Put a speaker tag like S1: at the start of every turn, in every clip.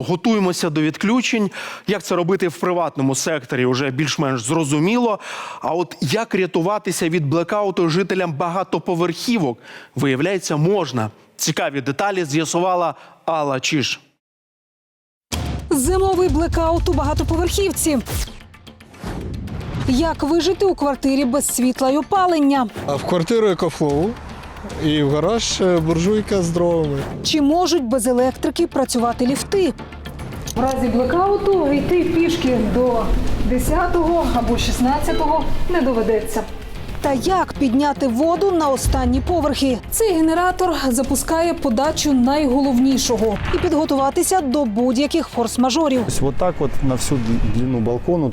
S1: готуємося до відключень. Як це робити в приватному секторі, вже більш-менш зрозуміло. А от як рятуватися від блекауту жителям багатоповерхівок, виявляється, можна. Цікаві деталі з'ясувала Алла Чиж.
S2: Зимовий блекаут у багатоповерхівці. Як вижити у квартирі без світла й опалення?
S3: А в квартиру екофлоу і в гараж буржуйка з дровами.
S2: Чи можуть без електрики працювати ліфти? В разі блекауту йти пішки до 10-го або 16-го не доведеться. Та як підняти воду на останні поверхи? Цей генератор запускає подачу найголовнішого і підготуватися до будь-яких форс-мажорів.
S4: То есть вот так вот на всю длину балкону.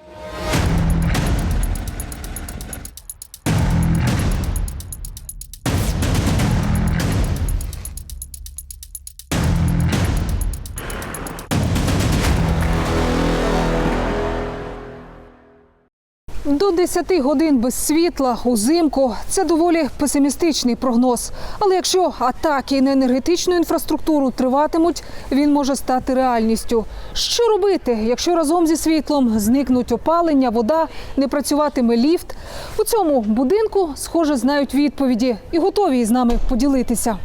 S2: До 10 годин без світла узимку – це доволі песимістичний прогноз. Але якщо атаки на енергетичну інфраструктуру триватимуть, він може стати реальністю. Що робити, якщо разом зі світлом зникнуть опалення, вода, не працюватиме ліфт? У цьому будинку, схоже, знають відповіді і готові із нами поділитися.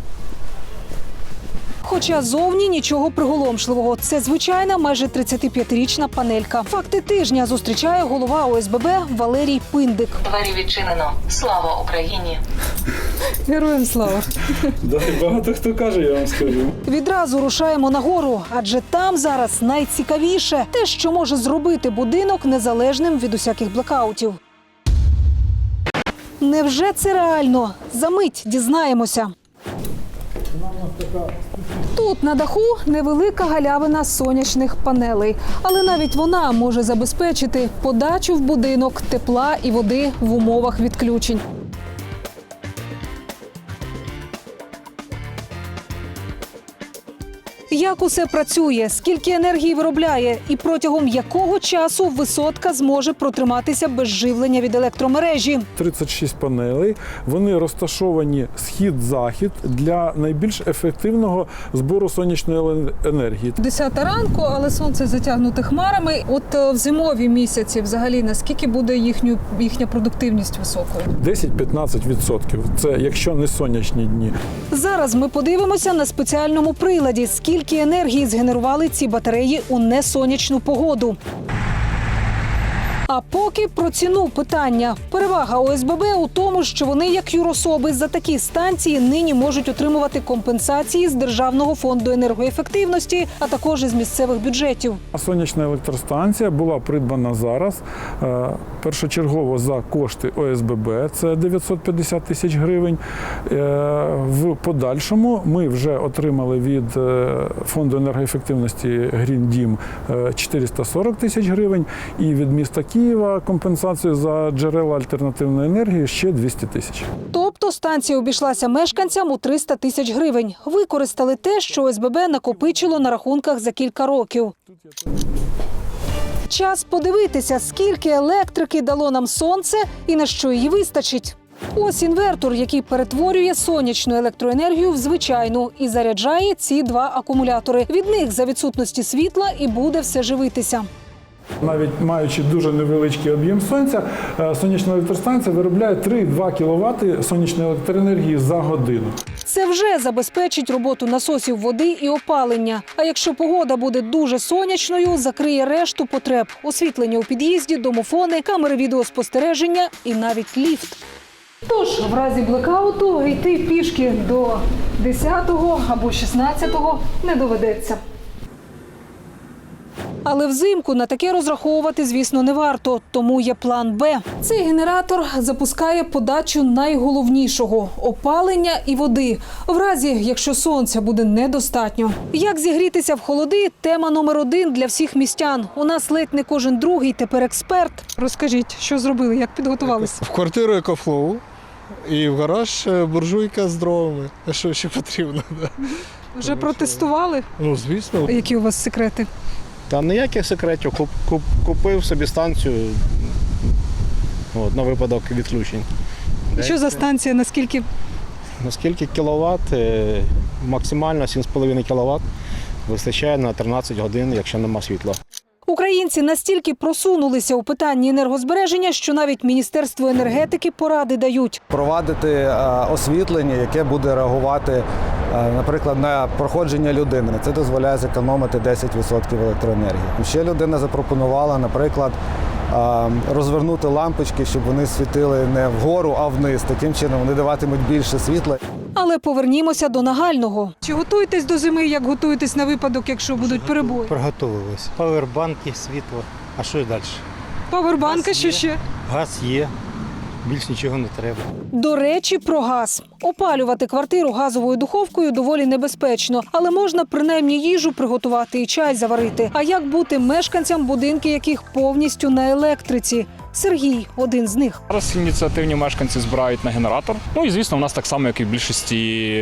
S2: Хоча зовні нічого приголомшливого. Це звичайна майже 35-річна панелька. Факти тижня зустрічає голова ОСББ Валерій Пиндик.
S5: Двері відчинено. Слава Україні!
S2: Героям слава!
S6: Багато хто каже, я вам скажу.
S2: Відразу рушаємо нагору, адже там зараз найцікавіше – те, що може зробити будинок незалежним від усяких блекаутів. Невже це реально? Замить дізнаємося. Тут на даху невелика галявина сонячних панелей. Але навіть вона може забезпечити подачу в будинок тепла і води в умовах відключень. Як усе працює, скільки енергії виробляє і протягом якого часу висотка зможе протриматися без живлення від електромережі?
S6: 36 панелей, вони розташовані схід-захід для найбільш ефективного збору сонячної енергії.
S2: 10 ранку, але сонце затягнуте хмарами. От в зимові місяці взагалі наскільки буде їхня продуктивність високою?
S6: 10-15%. Це якщо не сонячні дні.
S2: Зараз ми подивимося на спеціальному приладі, скільки енергії згенерували ці батареї у несонячну погоду. А поки про ціну питання. Перевага ОСББ у тому, що вони, як юрособи, за такі станції нині можуть отримувати компенсації з Державного фонду енергоефективності, а також із місцевих бюджетів.
S6: Сонячна електростанція була придбана зараз першочергово за кошти ОСББ, це 950 тисяч гривень. В подальшому ми вже отримали від Фонду енергоефективності Green Dім 440 тисяч гривень і від міста Києва компенсацію за джерела альтернативної енергії ще 200 тисяч.
S2: Тобто станція обійшлася мешканцям у 300 тисяч гривень. Використали те, що ОСББ накопичило на рахунках за кілька років. Час подивитися, скільки електрики дало нам сонце і на що її вистачить. Ось інвертор, який перетворює сонячну електроенергію в звичайну і заряджає ці два акумулятори. Від них за відсутності світла і буде все живитися.
S6: Навіть маючи дуже невеличкий об'єм сонця, сонячна електростанція виробляє 3,2 кВт сонячної електроенергії за годину.
S2: Це вже забезпечить роботу насосів води і опалення. А якщо погода буде дуже сонячною, закриє решту потреб – освітлення у під'їзді, домофони, камери відеоспостереження і навіть ліфт. Тож, в разі блекауту йти пішки до 10-го або 16-го не доведеться. Але взимку на таке розраховувати, звісно, не варто, тому є план «Б». Цей генератор запускає подачу найголовнішого – опалення і води. В разі, якщо сонця буде недостатньо. Як зігрітися в холоди – тема номер 1 для всіх містян. У нас ледь не кожен другий тепер експерт. Розкажіть, що зробили, як підготувалися?
S3: В квартиру екофлоу і в гараж буржуйка з дровами. А що ще потрібно?
S2: Вже протестували?
S3: Ну, звісно.
S2: Які у вас секрети?
S7: Та ніяких секретів. Купив собі станцію на випадок відключень.
S2: Що за станція, наскільки?
S7: Наскільки кіловат? Максимально 7,5 кВт. Вистачає на 13 годин, якщо нема світла.
S2: Українці настільки просунулися у питанні енергозбереження, що навіть Міністерство енергетики поради дають.
S8: Провадити освітлення, яке буде реагувати, наприклад, на проходження людини. Це дозволяє зекономити 10% електроенергії. Ще людина запропонувала, наприклад, розвернути лампочки, щоб вони світили не вгору, а вниз. Таким чином вони даватимуть більше світла.
S2: Але повернімося до нагального. Чи готуєтесь до зими, як готуєтесь на випадок, якщо будуть перебої?
S9: Приготувалися. Павербанки, світло. А що далі?
S2: Павербанка що ще?
S9: Газ є. Більш нічого не треба.
S2: До речі, про газ. Опалювати квартиру газовою духовкою доволі небезпечно, але можна принаймні їжу приготувати і чай заварити. А як бути мешканцям, будинки яких повністю на електриці? Сергій – один з них.
S10: Зараз ініціативні мешканці збирають на генератор. Ну і, звісно, у нас так само, як і в більшості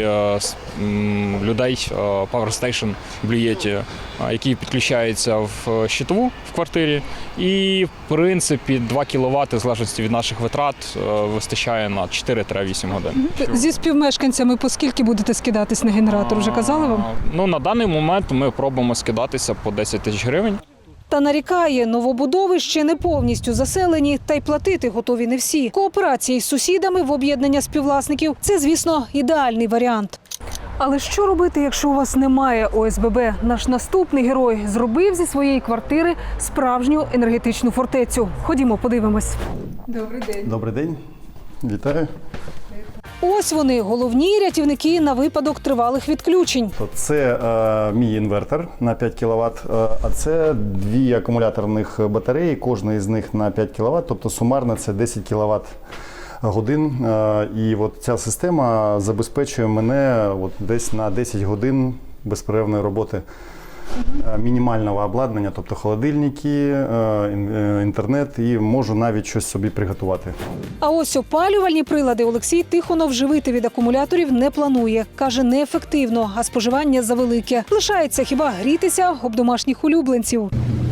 S10: людей, Power Station, блюєті, які підключаються в щитову в квартирі. І, в принципі, 2 кВт, в залежності від наших витрат, вистачає на 4-8 годин.
S2: Зі співмешканцями по скільки будете скидатись на генератор, вже казали вам?
S10: Ну, на даний момент ми пробуємо скидатися по 10 тисяч гривень.
S2: Та нарікає, новобудови ще не повністю заселені, та й платити готові не всі. Кооперація із сусідами в об'єднання співвласників – це, звісно, ідеальний варіант. Але що робити, якщо у вас немає ОСББ? Наш наступний герой зробив зі своєї квартири справжню енергетичну фортецю. Ходімо, подивимось. Добрий день.
S4: Добрий день, вітаю.
S2: Ось вони, головні рятівники на випадок тривалих відключень.
S4: Це мій інвертор на 5 кВт, а це 2 акумуляторних батареї, кожна із них на 5 кВт, тобто сумарно це 10 кВт годин. І от ця система забезпечує мене от десь на 10 годин безперервної роботи. Мінімального обладнання, тобто холодильники, інтернет, і можу навіть щось собі приготувати.
S2: А ось опалювальні прилади Олексій Тихонов живити від акумуляторів не планує. Каже, неефективно, а споживання завелике. Лишається хіба грітися об домашніх улюбленців.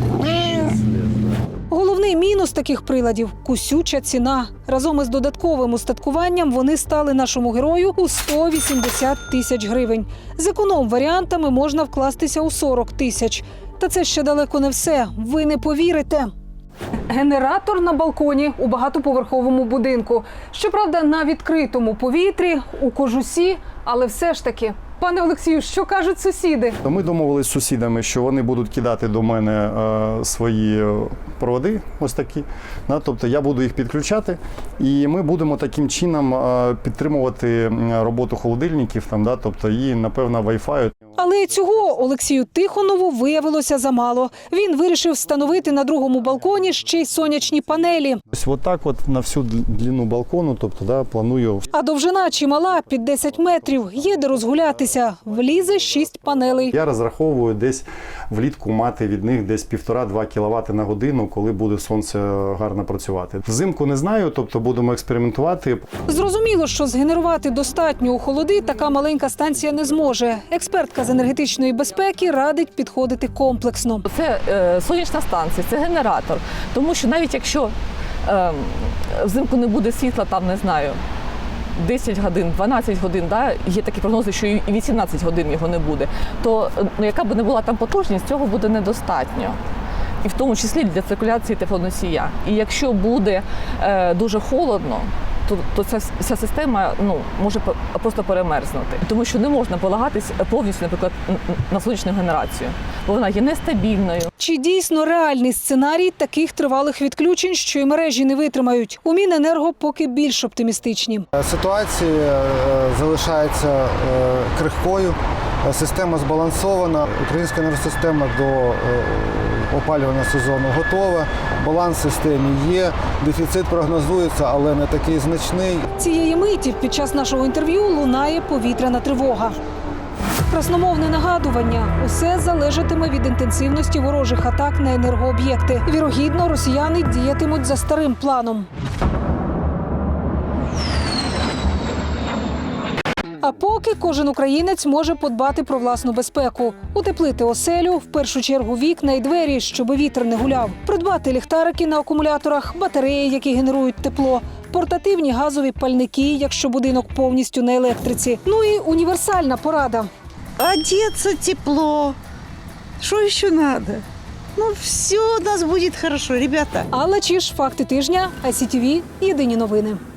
S2: Головний мінус таких приладів – кусюча ціна. Разом із додатковим устаткуванням вони стали нашому герою у 180 тисяч гривень. З економ-варіантами можна вкластися у 40 тисяч. Та це ще далеко не все. Ви не повірите. Генератор на балконі у багатоповерховому будинку. Щоправда, на відкритому повітрі, у кожусі, але все ж таки. Пане Олексію, що кажуть сусіди?
S4: Ми домовились з сусідами, що вони будуть кидати до мене свої проводи, ось такі. Тобто я буду їх підключати, і ми будемо таким чином підтримувати роботу холодильників, тобто і, напевно, Wi-Fi.
S2: Але цього Олексію Тихонову виявилося замало. Він вирішив встановити на другому балконі ще й сонячні панелі.
S4: Ось отак от на всю длину балкону, тобто планую.
S2: А довжина чимала – під 10 метрів. Є де розгулятися. Влізе 6 панелей.
S4: Я розраховую десь влітку мати від них десь 1,5-2 кВт на годину, коли буде сонце гарно працювати. Взимку не знаю, тобто будемо експериментувати.
S2: Зрозуміло, що згенерувати достатньо у холоди така маленька станція не зможе. Експертка з енергетичної безпеки радить підходити комплексно.
S11: Це сонячна станція, це генератор. Тому що навіть якщо взимку не буде світла, там, не знаю, 10 годин, 12 годин, є такі прогнози, що і 18 годин його не буде, то яка б не була там потужність, цього буде недостатньо. І в тому числі для циркуляції теплоносія. І якщо буде дуже холодно, то ця система може просто перемерзнути. Тому що не можна полагатись повністю, наприклад, на сонячну генерацію, бо вона є нестабільною.
S2: Чи дійсно реальний сценарій таких тривалих відключень, що і мережі не витримають? У Міненерго поки більш оптимістичні.
S8: Ситуація залишається крихкою, система збалансована, українська енергосистема до опалювального сезону готова, баланс в системі є, дефіцит прогнозується, але не такий значний.
S2: Цієї миті під час нашого інтерв'ю лунає повітряна тривога. Красномовне нагадування – усе залежатиме від інтенсивності ворожих атак на енергооб'єкти. Вірогідно, росіяни діятимуть за старим планом. А поки кожен українець може подбати про власну безпеку. Утеплити оселю, в першу чергу вікна і двері, щоб вітер не гуляв. Придбати ліхтарики на акумуляторах, батареї, які генерують тепло, портативні газові пальники, якщо будинок повністю на електриці. Ну і універсальна порада.
S12: Одеться тепло, Что еще надо? Ну, все у нас будет хорошо, ребята.
S2: Алла Чиж, факти тижня, ICTV, єдині новини.